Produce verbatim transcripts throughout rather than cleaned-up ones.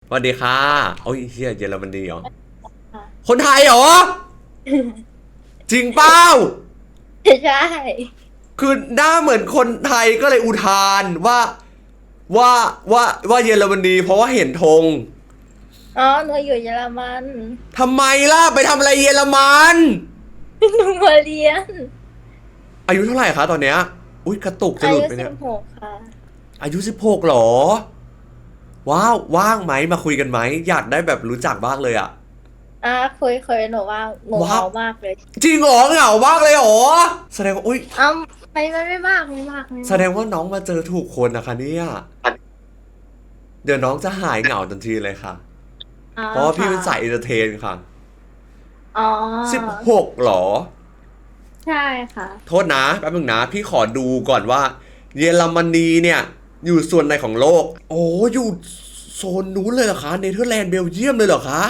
สวัสดีค่ะโอ้ยเฮียเยอรมนีเหรอค่ะคนไทยเหรอจริงเปล่าใช่คือหน้าเหมือนคนไทยก็เลยอุทานว่าว่าว่าว่าเยอรมนีเพราะว่าเห็นธงอ๋อหนูอยู่เยอรมันทำไมล่ะไปทำอะไรเยอรมันหนูมาเรียนอายุเท่าไหร่คะตอนเนี้ยอุ้ยกระตุกจะอาหลุดยุไปเนี่ยสิบหกค่ะอายุสิบหกเหรอว้าวว่างไหมมาคุยกันไหมอยากได้แบบรู้จักบ้างเลยอะอ่าเคยเคยหนูว่าหนูว้าวเมามากเลยจริงเหรอเหงามากเลยเหรอแสดงว่าอุ้ยอ้าไม่ไม่ไม่มากไม่มากไม่แสมากดงว่าน้องมาเจอถูกคนนะคะเนี่ยเดี๋ยวน้องจะหายเหงาทันทีเลยค่ะอ๋อเพราะว่าพี่ค่ะเป็นสายเอนเตอร์เทนค่ะอ๋อสิบหกหรอใช่ค่ะโทษนะแป๊บนึงนะพี่ขอดูก่อนว่าเยอรมนีเนี่ยอยู่ส่วนไหนของโลกโอ้อยู่โซนนู้นเลยเหรอคะเนเธอร์แลนด์เบลเยียมเลยเหรอคะ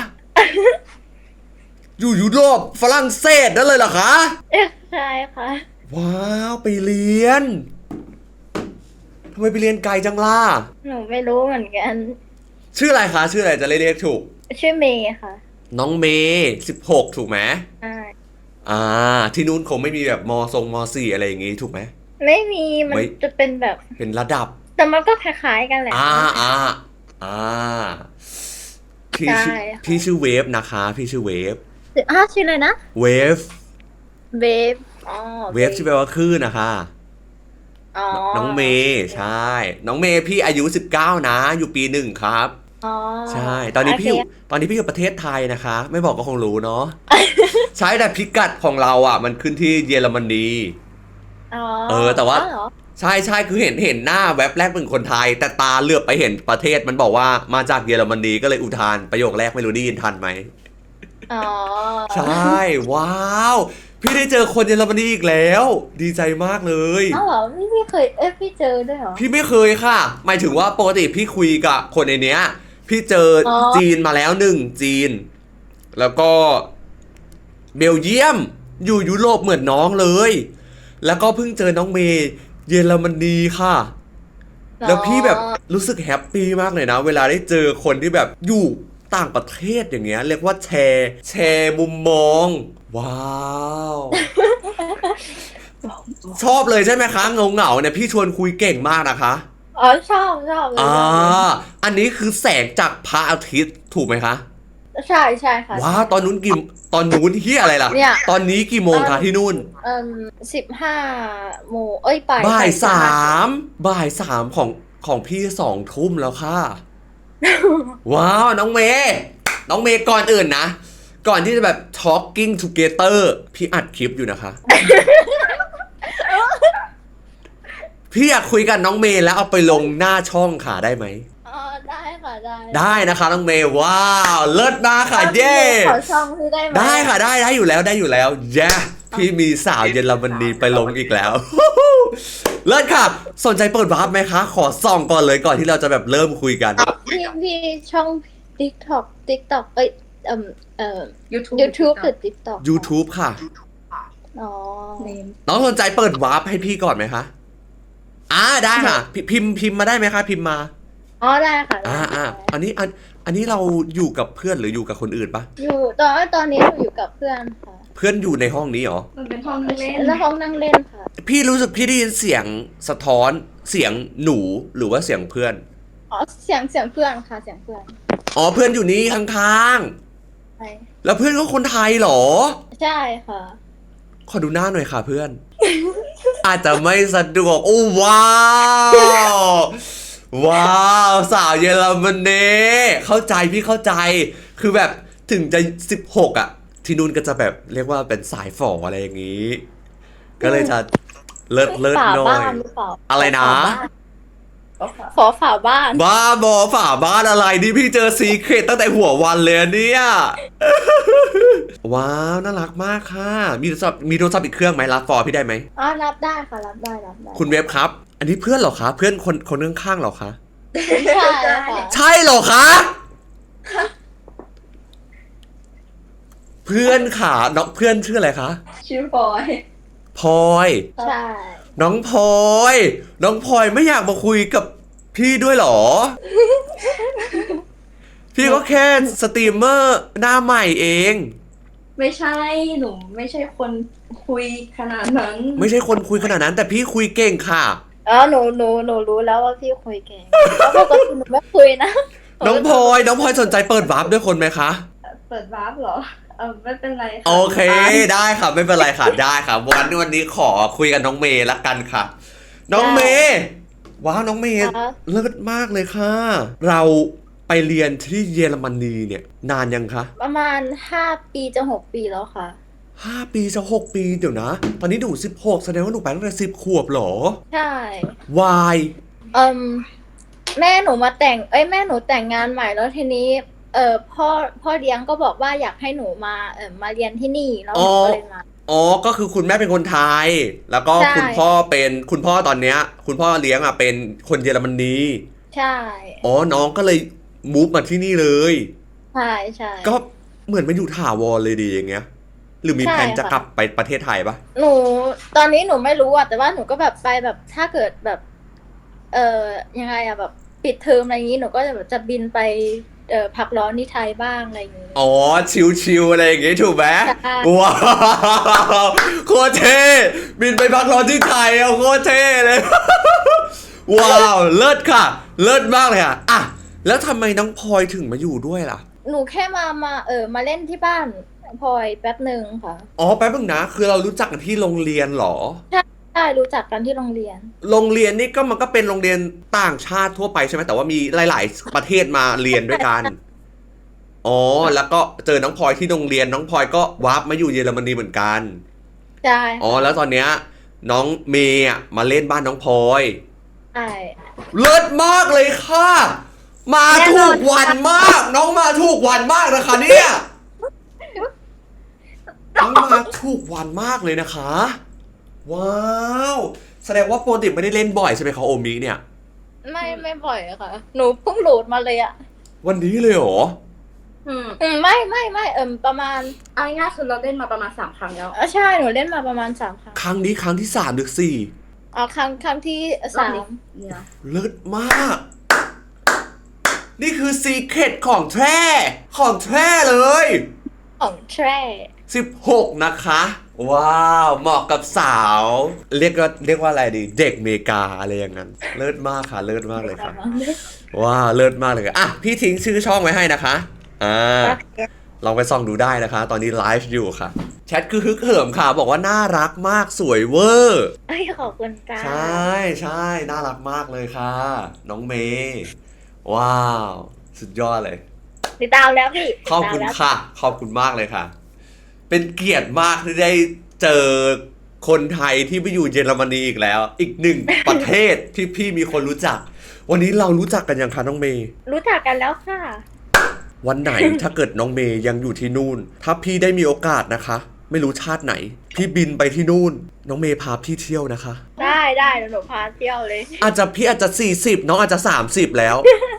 อยู่ยุโรปฝรั่งเศสนั่นเลยเหรอคะเอ๊ะใช่ค่ะว้าวไปเรียนทำไมไปเรียนไกลจังล่ะหนูไม่รู้เหมือนกันชื่ออะไรคะชื่ออะไรจะเรียกถูกชื่อเมย์ค่ะน้องเมย์สิบหกถูกไหมใช่อ่าที่นู้นคงไม่มีแบบมทรงมสี่อะไรอย่างงี้ถูกไหมไม่มีมันไม่จะเป็นแบบเป็นระดับแต่มันก็คล้ายๆกันแหละอ่าอ่าอ่าพี่ใช่ชื่อพี่ค่ะชื่อเวฟนะคะพี่ชื่อเวฟอ้าวชื่ออะไรนะเวฟเบฟอ๋อเวเบฟฟที่แปลว่าคลื่นนะคะอ๋อนน้องเมย์ใช่น้องเมย์พี่อายุสิบเก้านะอยู่ปีหนึ่งครับอ๋อใช่ตอนโอเคนี้พี่อยู่ตอนนี้พี่อยู่ประเทศไทยนะคะไม่บอกก็คงรู้เนาะใช่แต่พิกัดของเราอ่ะมันขึ้นที่เยอรมนีอ๋อเออแต่ว่าอ๋อเหรอใช่ใช่คือเห็นเห็นหน้าแว็บแรกเป็นคนไทยแต่ตาเหลือบไปเห็นประเทศมันบอกว่ามาจากเยอรมนีก็เลยอุทานประโยคแรกไม่รู้ได้ยินทันไหมอ๋อใช่ว้าวพี่ได้เจอคนเยอรมนีอีกแล้วดีใจมากเลยอ้าวเหรอพี่พี่เคยเอ้ยพี่เจอด้วยเหรอพี่ไม่เคยค่ะหมายถึงว่าปกติพี่คุยกับคนในเนี้ยพี่เจออ๋อจีนมาแล้วหนึ่งจีนแล้วก็เบลเยียมอยู่ยุโรปเหมือนน้องเลยแล้วก็เพิ่งเจอน้องเมย์เยอรมนีค่ะอ๋อแล้วพี่แบบรู้สึกแฮปปี้มากเลยนะเวลาได้เจอคนที่แบบอยู่ต่างประเทศอย่างเงี้ยเรียกว่าแชร์แชร์มุมมองว้าวชอบเลยใช่ไหมคะเงาเงาเนี่ยพี่ชวนคุยเก่งมากนะคะอ๋อชอบชอบเลยอ่าชอบเลยอันนี้คือแสงจากพระอาทิตย์ถูกไหมคะใช่ใช่ค่ะว้าใช่วตอนนู้นกี่ตอนนู้นเฮียอะไรล่ะเนี่ยตอนนี้กี่โมเอ่งคะที่นู่นเอ่มสิบห้าโมงเอ้ยบ่ายบ่ายสบ่ายสิบห้าามบ่ายสามของของพี่สองทุ่มแล้วค่ะ ว้าวน้องเมย์น้องเมย์ก่อนอื่นนะก่อนที่จะแบบ talking together พี่อัดคลิปอยู่นะคะพี่อยากคุยกับน้องเมย์แล้วเอาไปลงหน้าช่องค่ะได้ไหมอ๋อได้ค่ะได้ได้นะคะน้องเมย์ว้าวเลิศมากค่ะเย้ขอช่องพี่ได้ไหมได้ค่ะได้ได้อยู่แล้วได้อยู่แล้วเย้พี่มีสาวเยอรมนีไปลงอีกแล้ว เลิศค่ะสนใจเปิดวาร์ปไหมคะขอส่องก่อนเลยก่อนที่เราจะแบบเริ่มคุยกันพี่พี่ช่อง TikTok TikTok เอ้ยเอ่มเอ่อ YouTube YouTube หรือ TikTok YouTube ค่ะอ๋อน้องสนใจเปิดวาร์ปให้พี่ก่อนไหมคะอ่าได้ค่ะพพิมพ์พิมพ์มาได้ไหมคะพิมพ์มาอ๋อได้ค่ะได้อ่าอ่าได้อันนี้อันอันนี้เราอยู่กับเพื่อนหรืออยู่กับคนอื่นปะอยู่ตอนตอนนี้หนูอยู่กับเพื่อนค่ะเพื่อนอยู่ในห้องนี้เหรอมันเป็นห้องนั่งเล่นแล้วห้องนั่งเล่นค่ะพี่รู้สึกพี่ได้ยินเสียงสะท้อนเสียงหนูหรือว่าเสียงเพื่อนอ๋อเสียงเสียงเพื่อนค่ะเสียงเพื่อนอ๋อเพื่อนอยู่นี่ข้างใช่ๆแล้วเพื่อนก็คนไทยเหรอใช่ค่ะขอดูหน้าหน่อยค่ะเพื่อน อาจจะไม่สะดวกโอ้ว้าว ว้าวสาวเยอรมนีเข้าใจพี่เข้าใจคือแบบถึงจะสิบหกอ่ะที่นู่นก็จะแบบเรียกว่าเป็นสายฝ่ออะไรอย่างนี้ ก็เลยจะเลิศเลิศฝาหน่อบ้าย นหรือเปล่าอะไรนะขอฝาบ้านบ้าบอฝาบ้านอะไรนี่พี่เจอซีเครตตั้งแต่หัววันเลยอะเนี่ย ว้าวน่ารักมากค่ะ มีโทรศัพท์มีโทรศัพท์อีกเครื่องไหมรับฟอร์พี่ได้ไหมอ๋อรับได้ค่ะรับได้รับได้คุณเว็บครับ อันนี้เพื่อนเหรอคะ เพื่อนคนคนข้างๆเหรอคะใช่ค่ะใช่เหรอคะ เพื่อนค่ะน้องเพื่อนชื่ออะไรคะชื่อพลอยพลอยใช่น้องพลอย น้องพลอยไม่อยากมาคุยกับพี่ด้วยเหรอ พี่พี่ก็แค่สตรีมเมอร์หน้าใหม่เองไม่ใช่หนูไม่ใช่คนคุยขนาดนั้นไม่ใช่คนคุยขนาดนั้นแต่พี่คุยเก่งค่ะอ๋อหนูหนูหนูรู้แล้วว่าพี่คุยเก่งแล้วปกติหนูไม่คุยนะน้องพลอยน้องพลอยสนใจเปิดวาร์ปด้วยคนไหมคะเปิดวาร์ปเหรอเออไม่เป็นไรค่ะโอเคได้ค่ะไม่เป็นไรค่ะได้ค่ะวันนี้วันนี้ขอคุยกับน้องเมย์ละกันค่ะ น้องเมย์ว้าวน้องเมย์ค่ะเลิศมากเลยค่ะ เราไปเรียนที่เยอรมนีเนี่ยนานยังคะประมาณห้าปีจะหกปีแล้วค่ะห้าปีจะหกปีเดี๋ยวนะ ตอนนี้หนูสิบหกแสดงว่าหนูไปตั้งแต่สิบขวบเหรอใช่วายเอ่มแม่หนูมาแต่งเอ้ยแม่หนูแต่งงานใหม่แล้วทีนี้ เออพ่อพ่อเลี้ยงก็บอกว่าอยากให้หนูมาเออมาเรียนที่นี่แล้วหนูก็เลยมาอ๋อก็คือคุณแม่เป็นคนไทย แล้วก็ใช่คุณพ่อเป็นคุณพ่อตอนเนี้ย คุณพ่อเลี้ยงอ่ะเป็นคนเยอรมนีใช่อ๋อน้องก็เลยมูฟมาที่นี่เลยใช่ใช่ก็เหมือนมาอยู่ถาวรเลยดีอย่างเงี้ย หรือมีใช่แผนจะค่ะกลับไปประเทศไทยปะหนูตอนนี้หนูไม่รู้อะแต่ว่าหนูก็แบบไปแบบถ้าเกิดแบบ เออยังไงอะแบบปิดเทอมอะไรอย่างนี้หนูก็จะแบบจะบินไปเออพักร้อนที่ไทยบ้างอะไรอย่างนี้อ๋อชิวๆอะไรอย่างงี้ถูกไหมใช่ว้าวโคตรเท่บินไปพักร้อนที่ไทยเอาโคตรเท่เลย ว้าวเลิศค่ะ เลิศมากเลยค่ะอ่ะแล้วทำไมน้องพลอยถึงมาอยู่ด้วยล่ะหนูแค่มามาเออมาเล่นที่บ้านพลอยแป๊บหนึ่งค่ะอ๋อแป๊บนึงนะ คือเรารู้จักกันที่โรงเรียนเหรอใช่รู้จักกันที่โรงเรียนโรงเรียนนี่ก็มันก็เป็นโรงเรียนต่างชาติทั่วไปใช่ไหมแต่ว่ามีหลาย ๆ ประเทศมาเรียนด้วยกัน อ๋อแล้วก็เจอน้องพลอยที่โรงเรียนน้องพลอยก็วาร์ปมาอยู่เยอรมนีเหมือนกันใช่อ๋อแล้วตอนเนี้ยน้องเมย์อะมาเล่นบ้านน้องพลอยใช่เลิศมากเลยค่ะ มาถูกวันมาก น้องมาถูกวันมากนะคะเนี่ยน้องมาถูกวันมากเลยนะคะ ว้าวแสดงว่าโปรติไม่ได้เล่นบ่อยใช่ไหมคะโอมิเนี่ยไม่ไม่บ่อยอะค่ะ หนูเพิ่งโหลดมาเลยอะวันนี้เลยเหรออืมอืมไม่ไม่ไม่เอิมประมาณเอาง่ายๆคือเราเล่นมาประมาณสามครั้งแล้วเออใช่หนูเล่นมาประมาณสามครั้งครั้งนี้ครั้งที่สามหรือสี่อ๋อครั้งครั้งที่รอบสามนี้เนี่ยเลิศมาก นี่คือซีเคร็ตของแท้ของแท้เลยของแทร่สิบหกนะคะ ว้าวเหมาะกับสาว เรียกว่าเรียกว่าอะไรดี เด็กเมกาอะไรอย่างนั้น เลิศมากค่ะ เลิศมากเลยค่ะ ว้าวเลิศมากเลยค่ะอ่ะพี่ทิ้งชื่อช่องไว้ให้นะคะอ่าลองไปส่องดูได้นะคะ ตอนนี้ไลฟ์อยู่ค่ะ แชทคือฮึกเหิมค่ะ บอกว่าน่ารักมากสวยเวอร์เอ้ยขอบคุณค่ะใช่ใช่น่ารักมากเลยค่ะ น้องเมย์ว้าว สุดยอดเลยติดตามแล้วพี่ขอบคุณติดตามแล้วค่ะ ขอบคุณมากเลยค่ะ เป็นเกียรติมากที่ได้เจอคนไทยที่ไปอยู่เยอรมนีอีกแล้ว อีกหนึ่ง ประเทศที่พี่มีคนรู้จัก วันนี้เรารู้จักกันยังคะน้องเมย์รู้จักกันแล้วค่ะวันไหน ถ้าเกิดน้องเมย์ยังอยู่ที่นู่น ถ้าพี่ได้มีโอกาสนะคะ ไม่รู้ชาติไหน พี่บินไปที่นู่น น้องเมย์พาพี่เที่ยวนะคะได้ได้เดี๋ยวหนูพาเที่ยวเลยอาจจะพี่อาจจะสี่สิบน้องอาจจะสามสิบแล้ว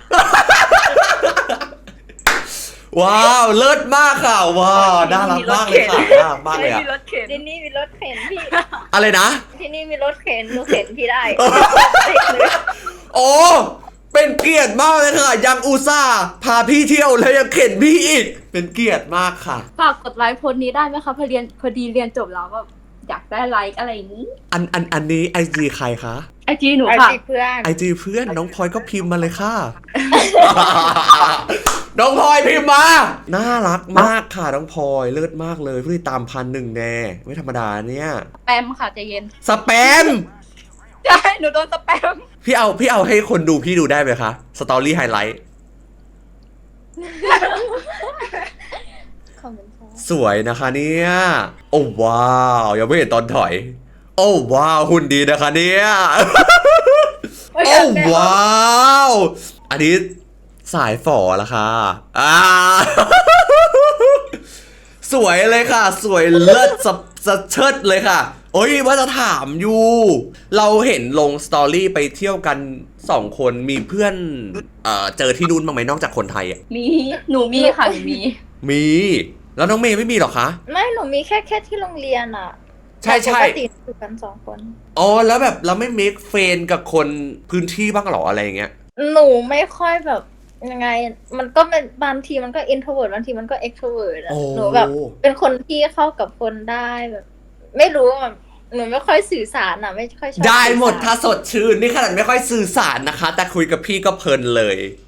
ว้าวเลิศมากค่ะว้าวน่ารักมากเลยค่ะน่ารักมากเลยอะมีรถเข็นที่นี่มีรถเข็นพี่อะไรนะที่นี่มีรถเข็นหนูเข็นพี่ได้โอ้เป็นเกียรติมากเลยค่ะ ยังอุตส่าห์พาพี่เที่ยวแล้วยังเข็นพี่อีก เป็นเกียรติมากค่ะฝากกดไลค์โพสต์นี้ได้ไหมคะพอเรียนพอดีเรียนจบแล้วแบบอยากได้ไลค์อะไรอย่างนี้อันอันอันนี้ไอจีใครคะไอจีหนูไอค่ะจีเพื่อนไอจีเพื่อนน้องพลอยก็พิมพ์มาเลยค่ะ น้องพลอยพิมพ์มา น่ารักมากค่ะน้องพลอยเลิศมากเลยผู้ติดตามพันหนึ่งแน่ไม่ธรรมดาเนี่ยสแปมค่ะใจเย็นสแปมใช่หนูโดนสแปมพี่เอาพี่เอาให้คนดูพี่ดูได้ไหมคะสตอรี่ไฮไลท์ขอบคุณค่ะสวยนะคะเนี่ยโอ้ว้าวยังไม่เห็นตอนถอย โอ้ว้าวหุ่นดีนะคะเนี่ย โอ้ว้าวอันนี้สายฝอละค่ะอ่า สวยเลยค่ะ สวยเลิศสะสะเชิดเลยค่ะ โอ้ยว่าจะถามอยู่ เราเห็นลงสตอรี่ไปเที่ยวกันสองคนมีเพื่อนเอ่อเจอที่นู่นบ้างไหมนอกจากคนไทยอ่ะมีหนูมีค่ะหนูมีมี แล้วน้องเมย์ไม่มีหรอคะไม่หนูมีแค่แค่ที่โรงเรียนอ่ะใช่ใช่ปกติอยู่กันสองคนอ๋อแล้วแบบเราไม่เมคเฟนกับคนพื้นที่บ้างหรออะไรอย่างเงี้ยหนูไม่ค่อยแบบยังไง มันก็เป็นบางทีมันก็ introvert บางทีมันก็ extrovert อะโอ้หนูแบบเป็นคนที่เข้ากับคนได้แบบ ไม่รู้แบบหนูไม่ค่อยสื่อสารอะไม่ค่อยชอบได้หมดสื่อสรถ้าสดชื่น นี่ขนาดไม่ค่อยสื่อสารนะคะ แต่คุยกับพี่ก็เพลินเลย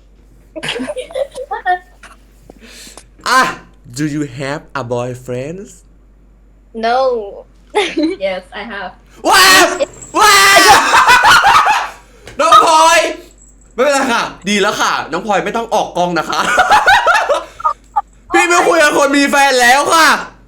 อ่ะ Do you have a boyfriend no yes I have ว้าวว้าวน้องพลอยไม่เป็นไรค่ะ ดีแล้วค่ะ น้องพลอยไม่ต้องออกกล้องนะคะ พี่ไม่คุยกับคนมีแฟนแล้วค่ะ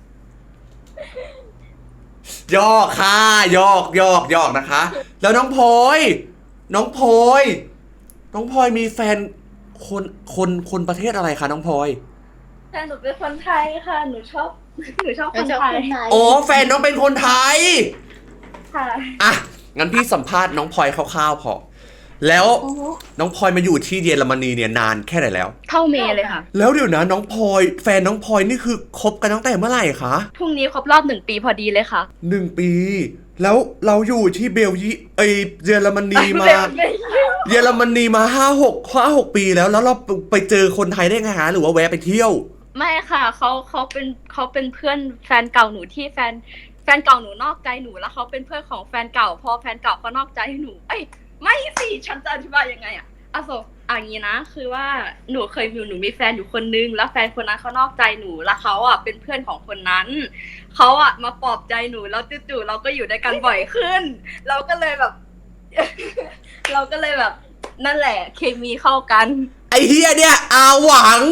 ยอกค่ะยอกยอกยอกนะคะ แล้วน้องพลอยน้องพลอยน้องพลอยมีแฟนคนคนคนประเทศอะไรคะน้องพลอยแต่หนูเป็นคนไทยค่ะ หนูชอบ หนูชอบคไม่นชอบไทยคนไทยอ๋อแฟนน้องเป็นคนไทยค่ะอ่ะงั้นพี่สัมภาษณ์น้องพลอยคร่าวๆพอแล้วน้องพลอยมาอยู่ที่เยอรมนีเนี่ยนานแค่ไหนแล้วเท่าเมย์เลยค่ะแล้วเดี๋ยวนะน้องพลอยแฟนน้องพลอยนี่คือคบกันตั้งแต่เมื่อไหร่คะพรุ่งนี้ครบรอบหนึ่งปีพอดีเลยค่ะหนึ่งปี แล้วเราอยู่ที่เบลยีไอเยอรมนีมา เยอรมนีมาห้าหกห้าหกปีแล้วแล้วเราไปเจอคนไทยได้ไงฮะหรือว่าแวะไปเที่ยวไม่ค่ะเขาเขาเป็นเขาเป็นเพื่อนแฟนเก่าหนูที่แฟนแฟนเก่าหนูนอกใจหนูแล้วเขาเป็นเพื่อนของแฟนเก่าพอแฟนเก่าเขานอกใจให้หนูเอ้ยไม่สิฉันจะอธิบายยังไงอะอ่ะโซอ่ะอย่างนี้นะคือว่าหนูเคยมีหนูมีแฟนอยู่คนนึงแล้วแฟนคนนั้นเขานอกใจหนูแล้วเขาอ่ะเป็นเพื่อนของคนนั้นเขาอ่ะมาปลอบใจหนูแล้วจู่ๆเราก็อยู่ด้วยกันบ่อยขึ้น เราก็เลยแบบ เราก็เลยแบบนั่นแหละเคมีเข้ากันไอเฮียเนี่ยอาหวัง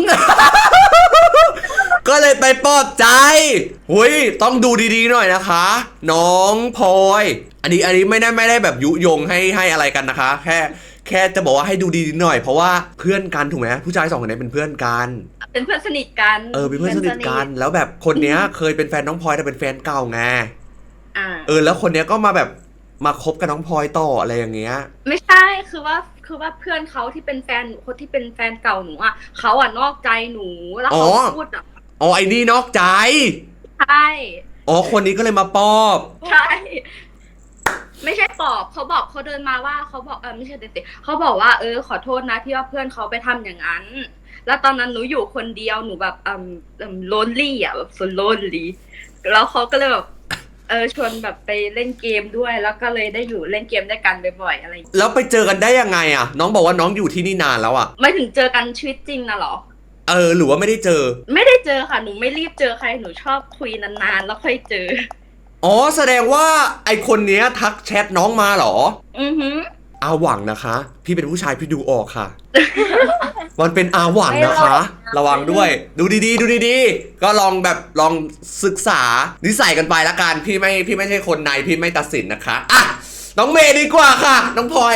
ก็เลยไปปลอบใจหุยต้องดูดีๆหน่อยนะคะ น้องพลอยอันนี้อันนี้ไม่ได้ไม่ได้แบบยุยงให้ให้อะไรกันนะคะ แค่แค่จะบอกว่าให้ดูดีๆหน่อยเพราะว่าเพื่อนกันถูกไหมผู้ชายสองคนนี้เป็นเพื่อนกันเป็นเพื่อนสนิทกันเออเป็นเพื่อนสนิทกันแล้วแบบคนเนี้ยเคยเป็นแฟนน้องพลอยแต่เป็นแฟนเก่าไงอ่าเออแล้วคนเนี้ยก็มาแบบมาคบกับน้องพลอยต่ออะไรอย่างเงี้ยไม่ใช่คือว่าคือว่าเพื่อนเขาที่เป็นแฟนหนูคนที่เป็นแฟนเก่าหนูอ่ะเขาอ่ะนอกใจหนูแล้วเขาอ๋อพูดอ่ะอ๋อไอ้นี่นอกใจใช่อ๋อคนนี้ก็เลยมาปอบใช่ ไม่ใช่ตอบเขาบอกเขาเดินมาว่าเขาบอกเออไม่ใช่เด็กๆเขาบอกว่าเออขอโทษนะที่ว่าเพื่อนเขาไปทำอย่างนั้น แล้วตอนนั้นหนูอยู่คนเดียวหนูแบบอืมอืม lonely อ่ะแบบ so lonely แล้วเขาก็เลยแบบเออชวนแบบไปเล่นเกมด้วย แล้วก็เลยได้อยู่เล่นเกมด้วยกันบ่อยๆอะไรอย่างเงี้ยแล้วไปเจอกันได้ยังไงอ่ะ น้องบอกว่าน้องอยู่ที่นี่นานแล้วอ่ะไม่ถึงเจอกันชีวิตจริงนะเหรอเออหรือว่าไม่ได้เจอไม่ได้เจอค่ะหนูไม่รีบเจอใครหนูชอบคุยนานๆแล้วค่อยเจออ๋อแสดงว่าไอคนเนี้ยทักแชทน้องมาเหรออือหืออาหวังนะคะ พี่เป็นผู้ชายพี่ดูออกค่ะ มันเป็นอาหวังนะคะ ระวังด้วย ดูดีๆ ดูดีๆ ก็ลองแบบลองศึกษานิสัยกันไปละกันพี่ไม่พี่ไม่ใช่คนในพี่ไม่ตัดสินนะคะอ่ะน้องเมย์ดีกว่าค่ะ น้องพลอย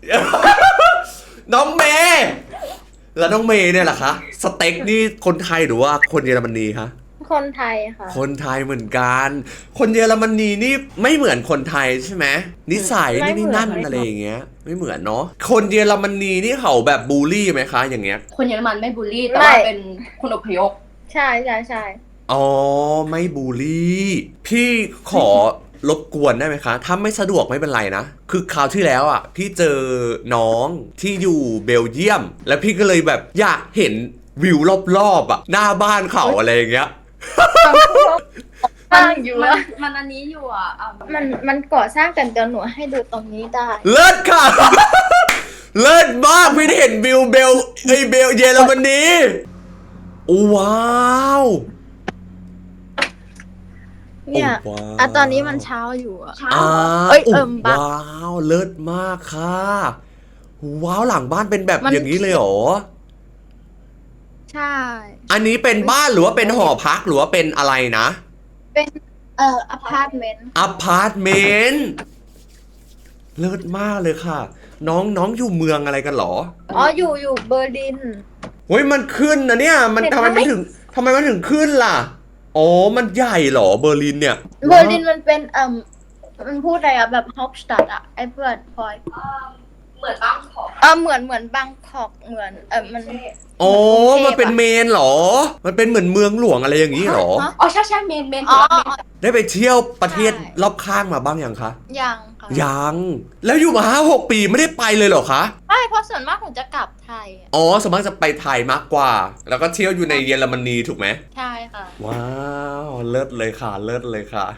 น้องเมย์แล้วน้องเมย์เนี่ยล่ะคะสเต็กนี่คนไทยหรือว่าคนเยอรมนีคะคนไทยค่ะคนไทยเหมือนกัน คนเยอรมนีนี่ไม่เหมือนคนไทยใช่ไหมนิสัยไม่นี่เหมือนนี่นั่นไม่เหมือนอะไรอย่างเงี้ย ไม่เหมือนเนาะคนเยอรมนีนี่เขาแบบบูลลี่ไหมคะอย่างเงี้ยคนเยอรมันไม่บูลลี่แต่ว่าเป็นคนอพยพใช่ใช่ใช่อ๋อไม่บูลลี่ พี่ขอรบกวนได้ไหมคะ ถ้าไม่สะดวกไม่เป็นไรนะ คือคราวที่แล้วอ่ะ พี่เจอน้องที่อยู่เบลเยียม แล้วพี่ก็เลยแบบอยากเห็นวิวรอบๆอ่ะหน้าบ้านเขาอะไรอย่างเงี้ยมันอยู่มันอะมันอันนี้อยู่อ่ะอ่ะมันมันก่อสร้างกันเดี๋ยวหนูให้ดูตรงนี้ได้เลิศค่ะ เลิศมากพี่เห็นวิวเบลไอยเบลเยอรมนีว้าวเนี่ยโอ้ว้าวอ่ะตอนนี้มันเช้าอยู่อะเช้าอ่าเอ้ยเอิ่มบักว้าวเลิศมากค่ะ ว้าวหลังบ้านเป็นแบบมันอย่างนี้เลยเหรอใช่อันนี้เป็นบ้านหรือว่าเป็นหอพักหรือว่าเป็นอะไรนะเป็นเอ่ออพาร์ตเมนต์อพาร์ตเมนต์เลิศมากเลยค่ะ น้องน้องอยู่เมืองอะไรกันเหรออ๋ออยู่อยู่เบอร์ลินเฮ้ยมันขึ้นนะเนี่ย มันเห็นทำไหมไมมันถึงทำไมมันถึงขึ้นล่ะอ๋อมันใหญ่เหรอเบอร์ลินเนี่ยเบอร์ลินมันเป็นเอ่มมันพูดอะไรอะแบบฮอปสตัดอะไอ้เพื่อนพลอยเหมือนบ้างขอเออเหมือนเหมือนบางกอกเหมือนเออมันโอ้เหมือนกรุงเทพอะมันเป็นเมนเหรอ มันเป็นเหมือนเมืองหลวงอะไรอย่างนี้เหรอฮะอ๋อใช่ใช่เมนเมนอ๋อได้ไปเที่ยวประเทศใช่รอบข้างมาบ้างยังคะยังค่ะยัง แล้วอยู่มาห้าหกปีไม่ได้ไปเลยเหรอคะไม่เพราะส่วนมากหนูจะกลับไทยอะอ๋อสมมติจะไปไทยมากกว่า แล้วก็เที่ยวอยู่ในเยอรมนีถูกไหมใช่ค่ะว้าว เลิศเลยค่ะ เลิศเลยค่ะ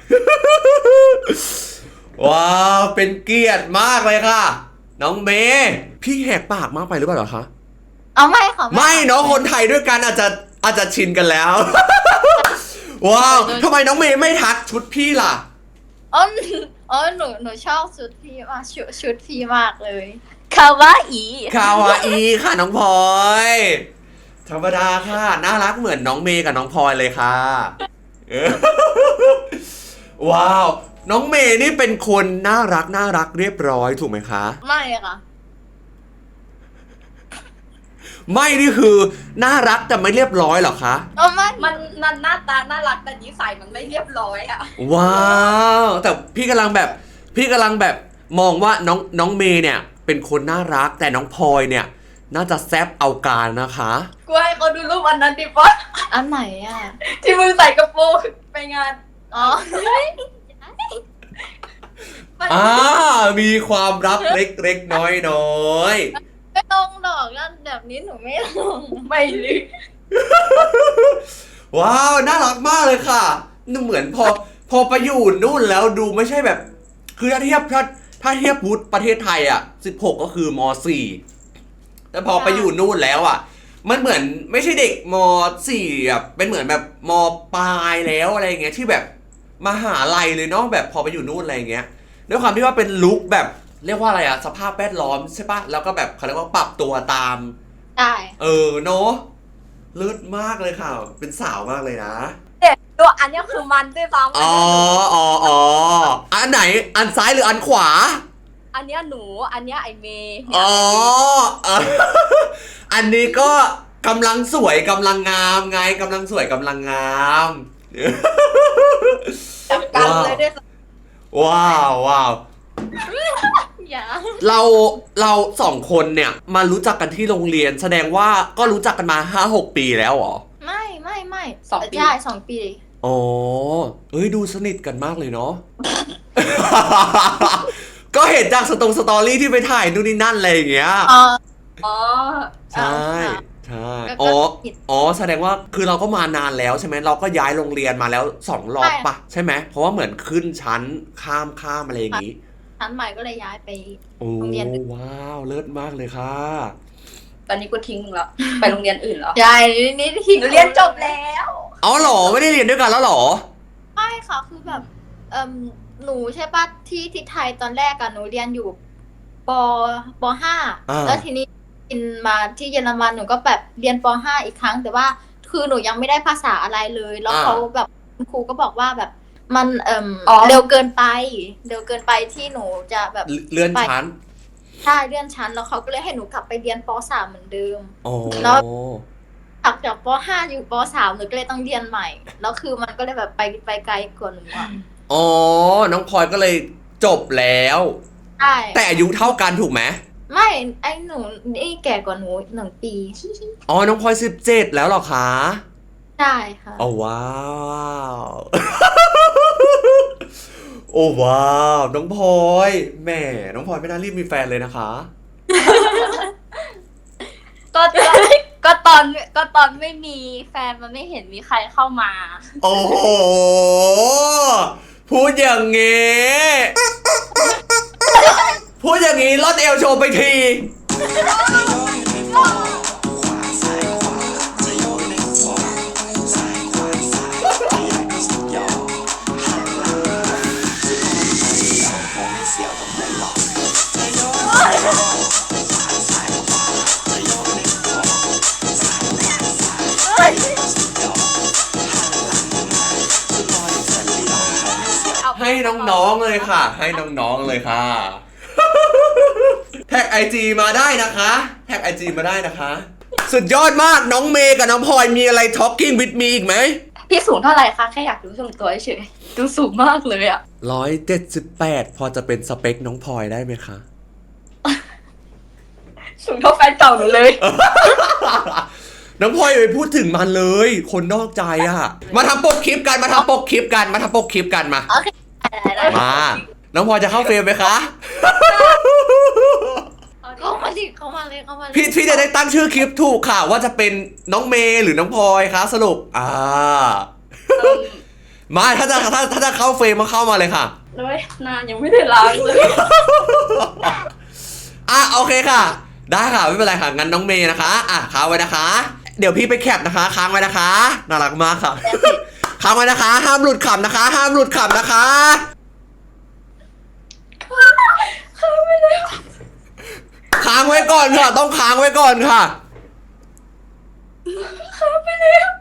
ว้าว เป็นเกียรติมากเลยค่ะ น้องเมย์พี่แหกปากมากไปหรือเปล่าเหรอคะเอาไม่ค่ะไม่เนาะคนไทยด้วยกันอาจจะอาจจะชินกันแล้ว ว้าวทำไมน้องเมย์ไม่ทักชุดพี่ล่ะอ๋ออ๋อหนูหนูชอบชุดพี่มากชุดชุดพี่มากเลยคาวาอีคาวาอีค่ะน้องพลอยธรรมดาค่ะน่ารักเหมือนน้องเมย์กับน้องพลอยเลยค่ะเออ ว้าว น้องเมย์นี่เป็นคนน่ารักน่ารักเรียบร้อยถูกไหมคะไม่ค่ะไม่นี่คือน่ารักแต่ไม่เรียบร้อยเหรอคะอ๋อไม่มันมันหน้าตาน่ารักแต่นิสัยมันไม่เรียบร้อยอ่ะว้าว แต่พี่กำลังแบบ พี่กำลังแบบมองว่าน้องน้องเมย์เนี่ย เป็นคนน่ารักแต่น้องพลอยเนี่ย น่าจะแซบเอาการนะคะกูให้เขาดูรูปอันนั้นดิปะอันไหนอ่ะที่มึงใส่กระโปรงไปงานอ๋ออ่า มีความลับเล็กๆน้อยๆไม่ลงหรอกนั่นแบบนี้หนูไม่ลงไม่เลยว้าว น่ารักมากเลยค่ะนี่เหมือนพอพอไปอยู่นู่นแล้วดูไม่ใช่แบบ คือถ้าเทียบถ้าถ้าเทียบวุฒิประเทศไทยอ่ะสิบหกก็คือมสี่แต่พอไปอยู่นู่นแล้วอ่ะ มันเหมือนไม่ใช่เด็กมสี่อ่ะเป็นเหมือนแบบมปลายแล้วอะไรเงี้ยที่แบบมหาลัยเลยเนาะแบบพอไปอยู่นู่นอะไรเงี้ยด้วยความที่ว่าเป็นลุคแบบเรียกว่าอะไรอ่ะสภาพแวดล้อมใช่ปะแล้วก็แบบเขาเรียกว่าปรับตัวตามได้เออเนาะเลิศมากเลยค่ะ เป็นสาวมากเลยนะตัวอันเนี้ยคือมันด้วยซ้ำอ๋ออ๋ออ๋ออันไหน อันซ้ายหรืออันขวาอันเนี้ยหนู อันเนี้ยไอเมย์อ๋อเอออันนี้ก็กำลังสวยกำลังงามไงกำลังสวยกำลังงามจับกันเลยด้วยซ้ำว้าวว้าวอย่าเราเราสองคนเนี่ยมารู้จักกันที่โรงเรียน แสดงว่าก็รู้จักกันมาห้าหกปีแล้วเหรอไม่ไม่ไม่สองปีใช่สองปีอ๋อ เอ้ยดูสนิทกันมากเลยเนาะ ก็เห็นจากสตงสตอรี่ที่ไปถ่ายนู่นนี่นั่นอะไรอย่างเงี้ยอ๋ออ๋อใช่ ใช่แล้วก็อ๋อผิดอ๋อ แสดงว่าคือเราก็มานานแล้วใช่ไหม เราก็ย้ายโรงเรียนมาแล้วสองรอบใช่ปะใช่ไหม เพราะว่าเหมือนขึ้นชั้นข้ามข้ามอะไรอย่างงี้ชั้นใหม่ก็เลยย้ายไปโอ้โรงเรียนอื่นว้าว เลิศมากเลยค่ะตอนนี้กูทิ้งมึงแล้ว ไปโรงเรียนอื่นแล้วใช่นี่ที่หนูเรียนจบแล้วอ๋อเหรอ ไม่ได้เรียนด้วยกันแล้วเหรอไม่ค่ะคือแบบเอ่มหนูใช่ปะที่ที่ไทยตอนแรกอะหนูเรียนอยู่ปปห้าอ่าแล้วทีนี้บินมาที่เยอรมันหนูก็แบบเรียนปห้าอีกครั้ง แต่ว่าคือหนูยังไม่ได้ภาษาอะไรเลย แล้วเขาแบบคุณครูก็บอกว่าแบบมันเอ่มอ๋อเร็วเกินไป เร็วเกินไปที่หนูจะแบบเลื่อนชั้นใช่เลื่อนชั้นแล้วเขาก็เลยให้หนูกลับไปเรียนปสามเหมือนเดิมอ๋อแล้ว จากจากปห้าอยู่ปสามหนูก็เลยต้องเรียนใหม่ แล้วคือมันก็เลยแบบไปไปไกลกว่าหนูอะอ๋อ น้องพลอยก็เลยจบแล้วใช่แต่อายุเท่ากันถูกไหมไม่ไอ้หนูนี่แก่กว่าหนูหนึ่งปีอ๋อ น้องพลอยสิบเจ็ดแล้วเหรอคะใช่ค่ะโอ้ว้าว โอ้ว้าว น้องพลอยแหม่น้องพลอยไม่น่ารีบมีแฟนเลยนะคะก็ตอนก็ตอนก็ตอนไม่มีแฟนมันไม่เห็นมีใครเข้ามาโอ้โห พูดอย่างงี้ พูดอย่างงี้ลดเอวโชว์ไปที ให้น้องๆเลยค่ะ ให้น้องๆเลยค่ะ แท็กไอจีมาได้นะคะ แท็กไอจีมาได้นะคะ สุดยอดมากน้องเมย์กับน้องพลอยมีอะไร talking with me อีกไหมพี่สูงเท่าไหร่คะแค่อยากรู้ส่วนตัวเฉยๆดูสูงมากเลยอ่ะร้อยเจ็ดสิบแปดพอจะเป็นสเปคน้องพลอยได้ไหมคะสูงเท่าแฟนเก่าหนูเลยน้องพลอยอย่าไปพูดถึงมันเลย คนนอกใจอ่ะ มาทำปกคลิปกัน มาทำปกคลิปกัน มาทำปกคลิปกันมาโอเคได้ได้มา น้องพลอยจะเข้าเฟรมไหมคะเข้ามาสิเข้ามาเลยเข้ามาเลยพี่พี่จะได้ตั้งชื่อคลิปถูกค่ะ ว่าจะเป็นน้องเมย์หรือน้องพลอยคะสรุป อ่า มาถ้าจะถ้าถ้าจะเข้าเฟรมมาเข้ามาเลยค่ะเลยหน้ายังไม่ได้ล้างเลยอ่ะโอเคค่ะ ได้ค่ะไม่เป็นไรค่ะงั้นน้องเมย์นะคะอ่ะค้างไว้นะคะ เดี๋ยวพี่ไปแคปนะคะค้างไว้นะคะน่ารักมากค่ะ ค้างไว้นะคะ ห้ามหลุดขำนะคะ ห้ามหลุดขำนะคะค้างไว้ก่อนค่ะ ต้องค้างไว้ก่อนค่ะค้างไปแล้ว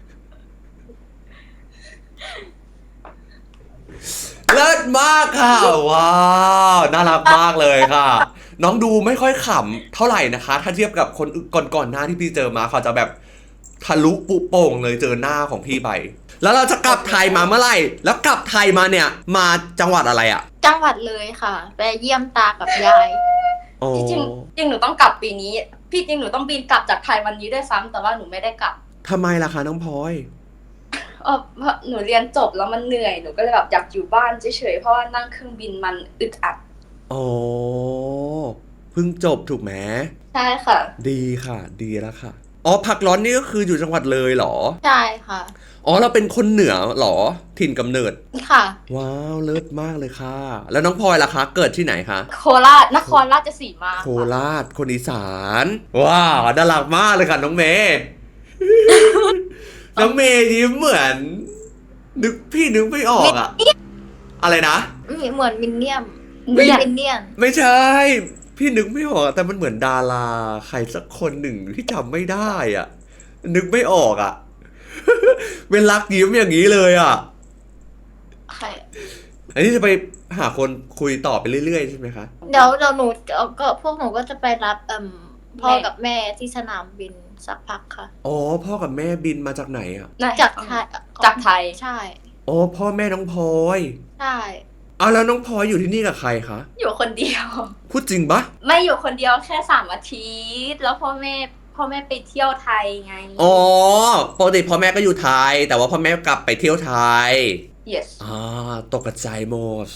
เลิศมากค่ะว้าวน่ารักมากเลยค่ะ น้องดูไม่ค่อยขำเท่าไหร่นะคะ ถ้าเทียบกับคนก่อนๆหน้าที่พี่เจอมาเขาจะแบบทะลุปุโป่งเลยเจอหน้าของพี่ไป แล้วเราจะกลับไทยมาเมื่อไหร่ แล้วกลับไทยมาเนี่ยมาจังหวัดอะไรอ่ะจังหวัดเลยค่ะ ไปเยี่ยมตากับยายโอ้จริงๆจริงหนูต้องกลับปีนี้ พี่จริงหนูต้องบินกลับจากไทยวันนี้ด้วยซ้ำแต่ว่าหนูไม่ได้กลับทำไมล่ะคะน้องพลอยเออเพราะหนูเรียนจบแล้วมันเหนื่อยหนูก็เลยแบบอยากอยู่บ้านเฉยๆเพราะว่านั่งเครื่องบินมันอึดอัดโอ้เพิ่งจบถูกไหมใช่ค่ะดีค่ะ ดีแล้วค่ะอ๋อผักร้อนนี่ก็คืออยู่จังหวัดเลยเหรอใช่ค่ะอ๋อเราเป็นคนเหนือเหรอถิ่นกำเนิดค่ะว้าวเลิศมากเลยค่ะ แล้วน้องพลอยล่ะคะ เกิดที่ไหนคะโคราชนครราชสีมาโคราชคนอีสาน ว้าวน่ารักมากเลยค่ะน้องเมย์ น้องเมย์ยิ้มเหมือน นึกพี่นึกไม่ออกอะอะไรนะมีเหมือนมินเนี่ยมเนียนมินเนี่ยนไม่ใช่ พี่นึกไม่ออกอะแต่มันเหมือนดาราใครสักคนหนึ่งที่จำไม่ได้อ่ะ นึกไม่ออกอ่ะ เป็นรักยิ้มอย่างนี้เลยอ่ะใครอันนี้จะไปหาคนคุยต่อไปเรื่อยๆใช่ไหมคะเดี๋ยวเดี๋ยวหนูเอาก็พวกหนูก็จะไปรับเอ่มพ่อกับแม่ที่สนามบินสักพักค่ะอ๋อพ่อกับแม่บินมาจากไหนอ่ะไหนจากไทยจากไทยใช่อ๋อพ่อแม่น้องพลอยใช่อ้าวแล้วน้องพลอยอยู่ที่นี่กับใครคะอยู่คนเดียวพูดจริงปะไม่อยู่คนเดียวแค่สามอาทิตย์แล้วพ่อแม่พ่อแม่ไปเที่ยวไทยไงอ๋อปกติพ่อแม่ก็อยู่ไทย แต่ว่าพ่อแม่กลับไปเที่ยวไทย yes อ่าตกใจหมด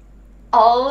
oh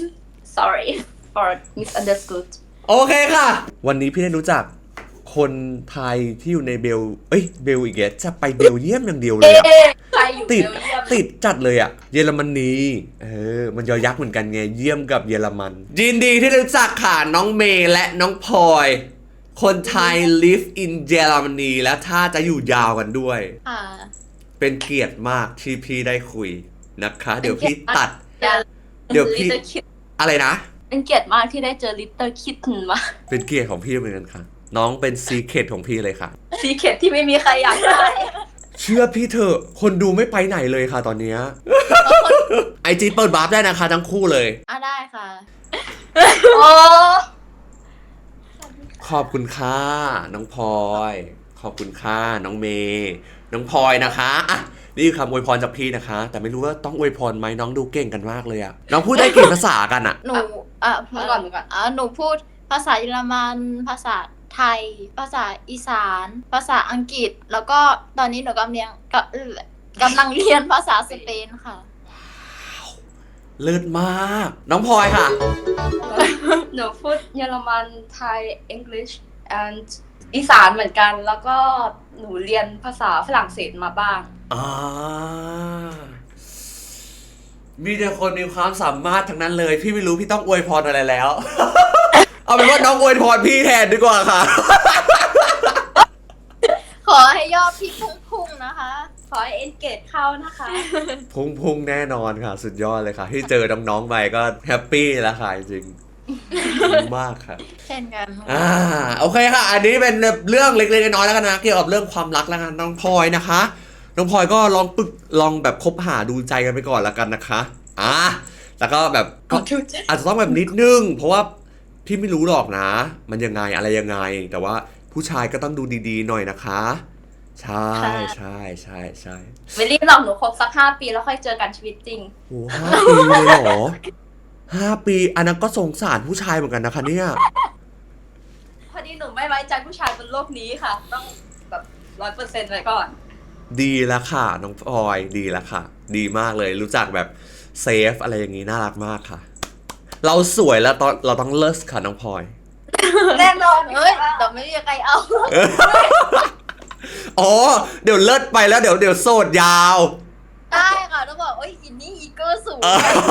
sorry for misunderstood โอเคค่ะ วันนี้พี่ได้รู้จักคนไทยที่อยู่ในเบล เอ้ยเบลอีกแล้วจะไปเบลเยียมอย่างเดียวเลยอะเอ๊ะใครอยู่เบติดลเยียมติดจัดเลยอะเยอรมนีเออมันยอยักษ์เหมือนกันไงเยี่ยมกับเยอรมันยินดีที่ได้รู้จักค่ะน้องเมย์และน้องพลอย คนไทย live in เยอรมนีและถ้าจะอยู่ยาวกันด้วยค่ะเป็นเกียรติมากที่พี่ได้คุยนะคะ เดี๋ยวพี่ตัดเดี๋ยวเดี๋ยวพี่ Little Kid อะไรนะเป็นเกียรติมากที่ได้เจอ Little Kitten มาเป็นเกียรติของพี่เหมือนกันค่ะ น้องเป็นซีเครตของพี่เลยค่ะซีเคทที่ไม่มีใครอยากได้เชื่อพี่เถอะคนดูไม่ไปไหนเลยค่ะตอนเนี้ย ไอจีเปิดบาร์ฟได้นะคะทั้งคู่เลยอ่ะได้ค่ะโอ้ขอบคุณค่ะน้องพลอย ขอบคุณค่ะน้องเมย์น้องพลอยนะคะอ่ะนี่คือคำอวยพรจากพี่นะคะ แต่ไม่รู้ว่าต้องอวยพรไหมน้องดูเก่งกันมากเลยอะน้องพูดได้กี่ภาษากันอะหนูอ่ะมาก่อนมาก่อนอ่ะหนูพูดภาษาเยอรมัน ภาษาไทย ภาษาอีสาน ภาษาอังกฤษ แล้วก็ตอนนี้หนูกำลังเรียนกำเอ่อกำลังเรียนภาษาสเปนค่ะเลิศมาก น้องพลอยค่ะหนูพูดเยอรมันไทย English and อีสานเหมือนกัน แล้วก็หนูเรียนภาษาฝรั่งเศสมาบ้างอ่ามีแต่คนมีความสามารถทั้งนั้นเลย พี่ไม่รู้พี่ต้องอวยพรอะไรแล้ว เอาเป็นว่าน้องอวยพรพี่แทนดีกว่าค่ะขอให้ยอดพี่พุ่งๆนะคะขอให้ engage เข้านะคะพุ่งพุ่งแน่นอนค่ะ สุดยอดเลยค่ะ ที่เจอน้องๆไปก็แฮปปี้แล้วค่ะจริงๆมากค่ะเช่นกันอ่าโอเคค่ะ อันนี้เป็นเรื่องเล็กๆน้อยๆแล้วกันนะเกี่ยวกับเรื่องความรักแล้วกันน้องพลอยนะคะ น้องพลอยก็ลองปึกลองแบบคบหาดูใจกันไปก่อนแล้วกันนะคะอ่าแล้วก็แบบก็อาจจะต้องแบบนิดนึง เพราะว่าพี่ไม่รู้หรอกนะ มันยังไงอะไรยังไง แต่ว่าผู้ชายก็ต้องดูดีๆหน่อยนะคะ ใช่ใช่ใช่ใช่ไม่รีบหรอกหนูคบสักห้าปีแล้วค่อยเจอกันชีวิตจริงโอ้ห้าปีเลยเหรอห้าปีอันนั้นก็สงสารผู้ชายเหมือนกันนะคะเนี่ยอดีหนูไม่ไว้ใจผู้ชายบนโลกนี้ค่ะ ต้องแบบร้อยเปอร์เซ็นต์ไว้ก่อนดีแล้วค่ะน้องพลอยดีแล้วค่ะ ดีมากเลยรู้จักแบบเซฟอะไรอย่างนี้น่ารักมากค่ะ เราสวยแล้วตอนเราต้องเลิศค่ะน้องพลอยแน่นอนเฮ้ยเดี๋ยวไม่มีใครเอาอ๋อเดี๋ยวเลิศไปแล้วเดี๋ยวเดี๋ยวโสดยาวได้ค่ะต้องบอกโอ้ยอินนี่อีเกอร์สูง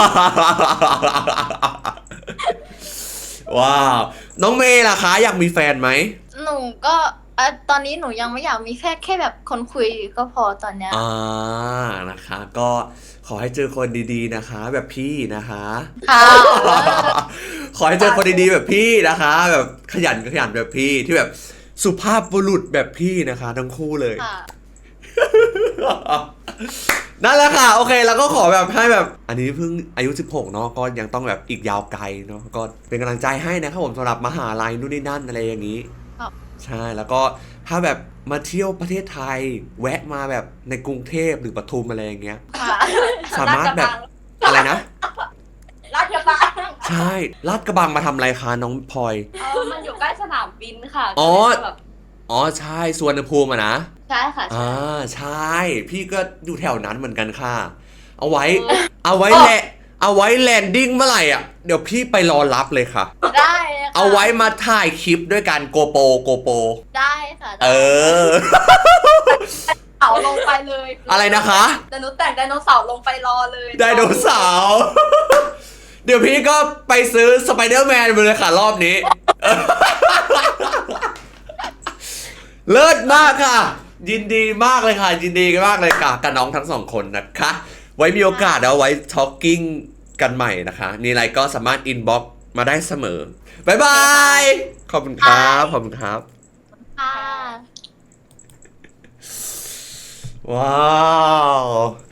ว้าว น้องเมย์ล่ะคะอยากมีแฟนไหมหนูก็อ่ะตอนนี้หนูยังไม่อยากมีแค่แค่แบบคนคุยก็พอตอนเนี้ยอ่านะคะ ก็ขอให้เจอคนดีๆนะคะ แบบพี่นะคะค่ะขอให้เจอคนดีๆแบบพี่นะคะ แบบขยันขยันแบบพี่ที่แบบสุภาพบุรุษแบบพี่นะคะทั้งคู่เลยค่ะนั่นแหละค่ะ โอเคแล้วก็ขอแบบให้แบบ อันนี้เพิ่งอายุสิบหกเนาะก็ยังต้องแบบอีกยาวไกลเนาะก็เป็นกำลังใจให้นะครับผมสำหรับมหาลัยนู่นนี่นั่นอะไรอย่างนี้ครับใช่แล้วก็ถ้าแบบมาเที่ยวประเทศไทย แวะมาแบบในกรุงเทพหรือปทุมอะไรอย่างเงี้ยค่ะสามารถแบบอะไรนะราชบังใช่ลาดกระบังมาทำอะไรคะน้องพลอยเออมันอยู่ใกล้สนามบินค่ะอ๋อก็เลยแบบอ๋อใช่สวนภูมิอะนะใช่ค่ะอ่าใช่ พี่ก็อยู่แถวนั้นเหมือนกันค่ะ เอาไว้เออเอาไว้แหละเอาไว้แลนดิ้งเมื่อไหร่อ่ะเดี๋ยวพี่ไปรอรับเลยค่ะได้เลยค่ะเอาไว้มาถ่ายคลิปด้วยกันโกโปโกโปได้ค่ะเออเสาร์ลงไปเลยอะไรนะคะเดี๋ยวหนูแต่งไดโนเสาร์ลงไปรอเลยไดโนเสาร์ เดี๋ยวพี่ก็ไปซื้อสไปเดอร์แมนไปเลยค่ะรอบนี้ เลิศมากค่ะ ยินดีมากเลยค่ะ ยินดีมากเลยค่ะกับน้องทั้งสองคนนะคะ ไว้มีโอกาสเอาไว้ท็อกกิ้งกันใหม่นะคะ มีอะไรก็สามารถอินบ็อกมาได้เสมอ บ๊ายบาย ขอบคุณครับ ขอบคุณครับค่ะว้าว